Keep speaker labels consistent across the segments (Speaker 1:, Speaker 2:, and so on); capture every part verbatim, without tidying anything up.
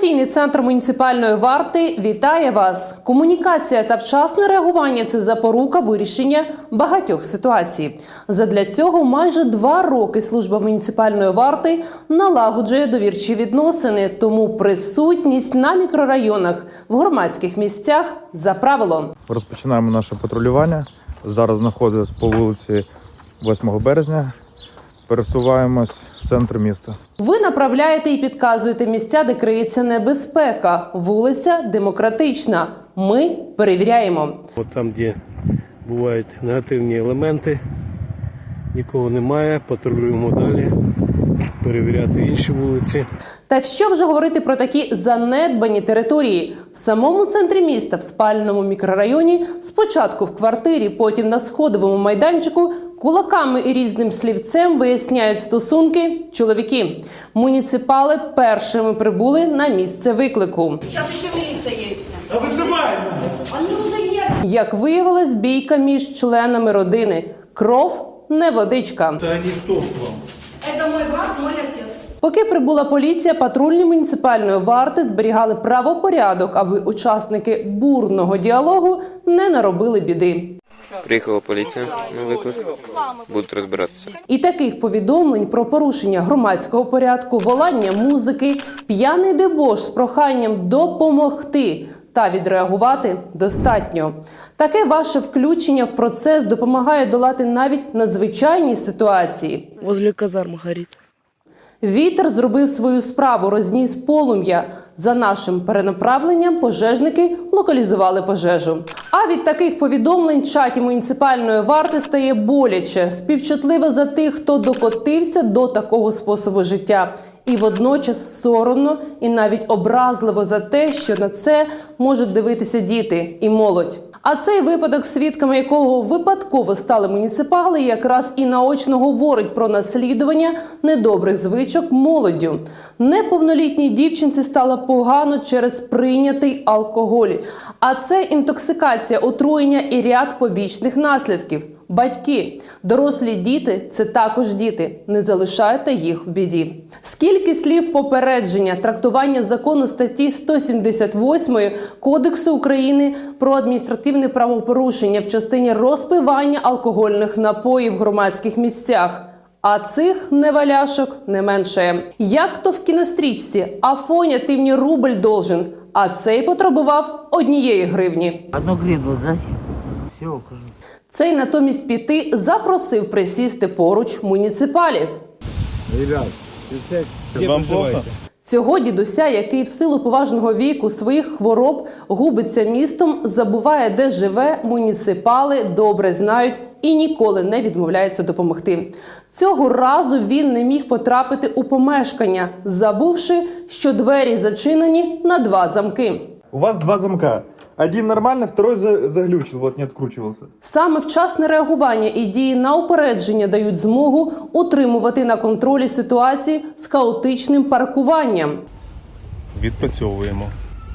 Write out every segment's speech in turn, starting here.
Speaker 1: Інформаційний центр муніципальної варти вітає вас. Комунікація та вчасне реагування – це запорука вирішення багатьох ситуацій. Задля цього майже два роки служба муніципальної варти налагоджує довірчі відносини, тому присутність на мікрорайонах, в громадських місцях за правилом.
Speaker 2: Розпочинаємо наше патрулювання. Зараз знаходимося по вулиці восьмого березня. Пересуваємось в центр міста.
Speaker 1: Ви направляєте і підказуєте місця, де криється небезпека. Вулиця Демократична. Ми перевіряємо.
Speaker 3: От там, де бувають негативні елементи, нікого немає, патрулюємо далі, перевіряти інші вулиці.
Speaker 1: Та що вже говорити про такі занедбані території? В самому центрі міста, в спальному мікрорайоні, спочатку в квартирі, потім на сходовому майданчику, кулаками і різним слівцем виясняють стосунки чоловіки. Муніципали першими прибули на місце виклику.
Speaker 4: Зараз ще міліція є.
Speaker 5: Та визиваємо!
Speaker 1: Як виявилось, бійка між членами родини. Кров не водичка.
Speaker 5: Та ніхто вам.
Speaker 4: Це мій брат, мій отець.
Speaker 1: Поки прибула поліція, патрульні муніципальної варти зберігали правопорядок, аби учасники бурного діалогу не наробили біди.
Speaker 6: Приїхала поліція на виклик, будуть розбиратися.
Speaker 1: І таких повідомлень про порушення громадського порядку, волання музики, п'яний дебош з проханням допомогти та відреагувати достатньо. Таке ваше включення в процес допомагає долати навіть надзвичайні ситуації.
Speaker 7: Возле казарми горить.
Speaker 1: Вітер зробив свою справу, розніс полум'я. За нашим перенаправленням пожежники локалізували пожежу. А від таких повідомлень в чаті муніципальної варти стає боляче, співчутливо за тих, хто докотився до такого способу життя. І водночас соромно і навіть образливо за те, що на це можуть дивитися діти і молодь. А цей випадок, свідками якого випадково стали муніципали, якраз і наочно говорить про наслідування недобрих звичок молоддю. Неповнолітній дівчинці стало погано через прийнятий алкоголь. А це інтоксикація, отруєння і ряд побічних наслідків. Батьки, дорослі діти – це також діти. Не залишайте їх в біді. Скільки слів попередження, трактування закону статті сто сімдесят восьмої Кодексу України про адміністративне правопорушення в частині розпивання алкогольних напоїв в громадських місцях. А цих неваляшок не менше. Як то в кінострічці «Афоня, ти мені рубль должен», а цей потребував однієї гривні.
Speaker 8: Одну гривну дати? Все, кажу.
Speaker 1: Цей натомість піти запросив присісти поруч муніципалів.
Speaker 5: Ребят, вам плохо?
Speaker 1: Цього дідуся, який в силу поважного віку своїх хвороб губиться містом, забуває, де живе, муніципали добре знають і ніколи не відмовляються допомогти. Цього разу він не міг потрапити у помешкання, забувши, що двері зачинені на два замки.
Speaker 2: У вас два замка. Один нормальный, второй заглючил, вот не откручивался.
Speaker 1: Саме вчасне реагування і дії на упередження дають змогу утримувати на контролі ситуації з хаотичним паркуванням.
Speaker 5: Відпрацьовуємо.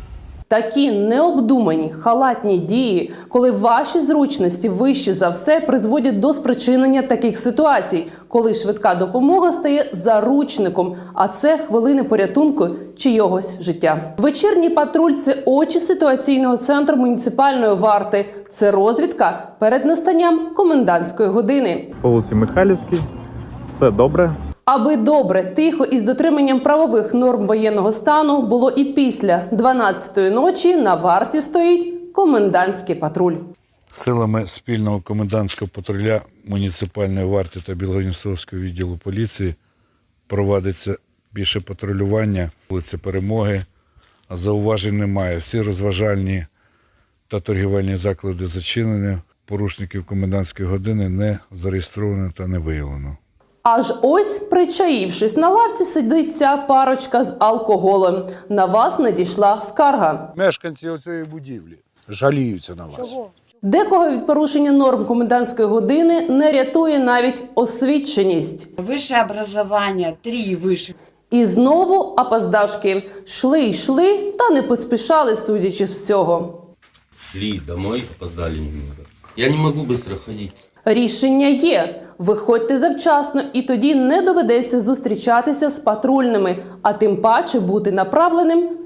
Speaker 1: Такі необдумані, халатні дії, коли ваші зручності вищі за все, призводять до спричинення таких ситуацій, коли швидка допомога стає заручником, а це хвилини порятунку чийогось життя. Вечірній патруль – це очі ситуаційного центру муніципальної варти. Це розвідка перед настанням комендантської години.
Speaker 2: По вулиці Михайлівській. Все добре.
Speaker 1: Аби добре, тихо і з дотриманням правових норм воєнного стану було і після дванадцятої ночі на варті стоїть комендантський патруль.
Speaker 9: Силами спільного комендантського патруля муніципальної варти та Білгород-Дністровського відділу поліції проводиться більше патрулювання вулиці Перемоги. Зауважень немає. Всі розважальні та торгівельні заклади зачинені. Порушників комендантської години не зареєстровано та не виявлено.
Speaker 1: Аж ось, причаївшись на лавці, сидить ця парочка з алкоголем. На вас надійшла скарга.
Speaker 10: Мешканці цієї будівлі жаліються на вас.
Speaker 7: Чого?
Speaker 1: Декого від порушення норм комендантської години не рятує навіть освіченість.
Speaker 8: Вище образування, три вище.
Speaker 1: І знову опоздашки. Шли, йшли, та не поспішали, судячи з всього.
Speaker 6: Шли домой, опоздали немного. Я не можу швидко ходити.
Speaker 1: Рішення є. Виходьте завчасно, і тоді не доведеться зустрічатися з патрульними, а тим паче бути направленим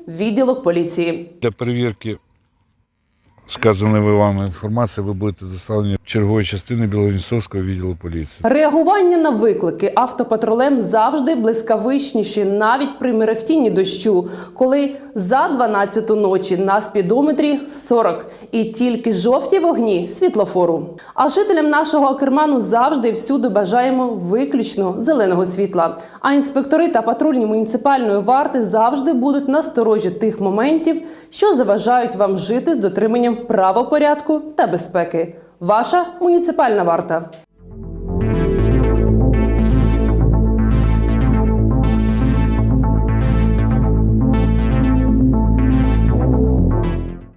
Speaker 1: відділок поліції.
Speaker 9: Для перевірки сказаної вами інформації ви будете доставлені в чергової частини Білогністовського відділу поліції.
Speaker 1: Реагування на виклики автопатрулем завжди блискавичніші, навіть при мерехтінні дощу, коли за дванадцяту ночі на спідометрі сорок і тільки жовті вогні світлофору. А жителям нашого Акерману завжди і всюди бажаємо виключно зеленого світла. А інспектори та патрульні муніципальної варти завжди будуть насторожі тих моментів, що заважають вам жити з дотриманням правопорядку та безпеки. Ваша муніципальна варта.